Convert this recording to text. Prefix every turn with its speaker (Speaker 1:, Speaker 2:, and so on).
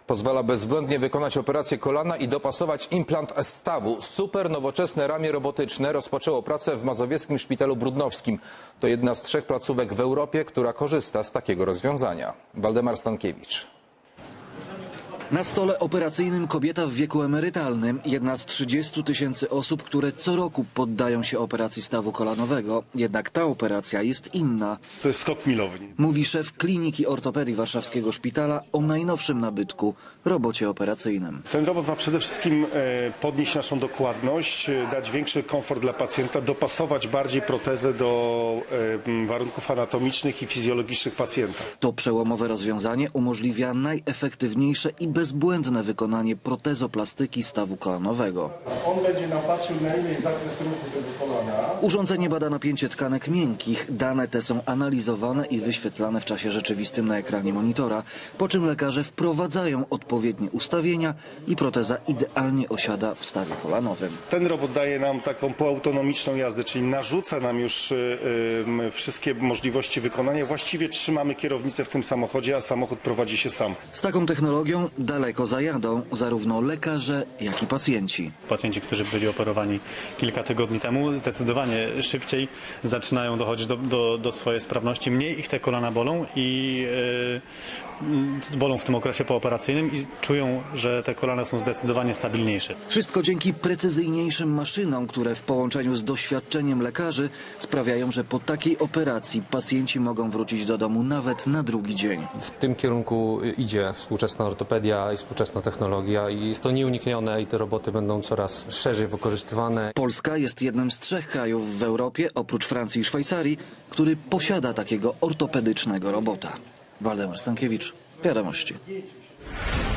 Speaker 1: Pozwala bezbłędnie wykonać operację kolana i dopasować implant stawu. Super nowoczesne ramię robotyczne rozpoczęło pracę w mazowieckim szpitalu brudnowskim. To jedna z 3 placówek w Europie, która korzysta z takiego rozwiązania. Waldemar Stankiewicz.
Speaker 2: Na stole operacyjnym kobieta w wieku emerytalnym. Jedna z 30 000 osób, które co roku poddają się operacji stawu kolanowego. Jednak ta operacja jest inna.
Speaker 3: To jest skok milowy.
Speaker 2: Mówi szef Kliniki Ortopedii Warszawskiego Szpitala o najnowszym nabytku – robocie operacyjnym.
Speaker 3: Ten robot ma przede wszystkim podnieść naszą dokładność, dać większy komfort dla pacjenta, dopasować bardziej protezę do warunków anatomicznych i fizjologicznych pacjenta.
Speaker 2: To przełomowe rozwiązanie umożliwia najefektywniejsze i bezbłędne wykonanie protezoplastyki stawu kolanowego.
Speaker 3: On będzie nam patrzył, na ile jest zakres ruchu tego kolana.
Speaker 2: Urządzenie bada napięcie tkanek miękkich. Dane te są analizowane i wyświetlane w czasie rzeczywistym na ekranie monitora, po czym lekarze wprowadzają odpowiednie ustawienia i proteza idealnie osiada w stawie kolanowym.
Speaker 3: Ten robot daje nam taką półautonomiczną jazdę, czyli narzuca nam już wszystkie możliwości wykonania. Właściwie trzymamy kierownicę w tym samochodzie, a samochód prowadzi się sam.
Speaker 2: Z taką technologią daleko zajadą zarówno lekarze, jak i pacjenci.
Speaker 4: Pacjenci, którzy byli operowani kilka tygodni temu, zdecydowanie szybciej zaczynają dochodzić do swojej sprawności. Mniej ich te kolana bolą i bolą w tym okresie pooperacyjnym i czują, że te kolana są zdecydowanie stabilniejsze.
Speaker 2: Wszystko dzięki precyzyjniejszym maszynom, które w połączeniu z doświadczeniem lekarzy sprawiają, że po takiej operacji pacjenci mogą wrócić do domu nawet na drugi dzień.
Speaker 5: W tym kierunku idzie współczesna ortopedia i współczesna technologia i jest to nieuniknione i te roboty będą coraz szerzej wykorzystywane.
Speaker 2: Polska jest jednym z 3 krajów w Europie, oprócz Francji i Szwajcarii, który posiada takiego ortopedycznego robota. Waldemar Stankiewicz, Wiadomości.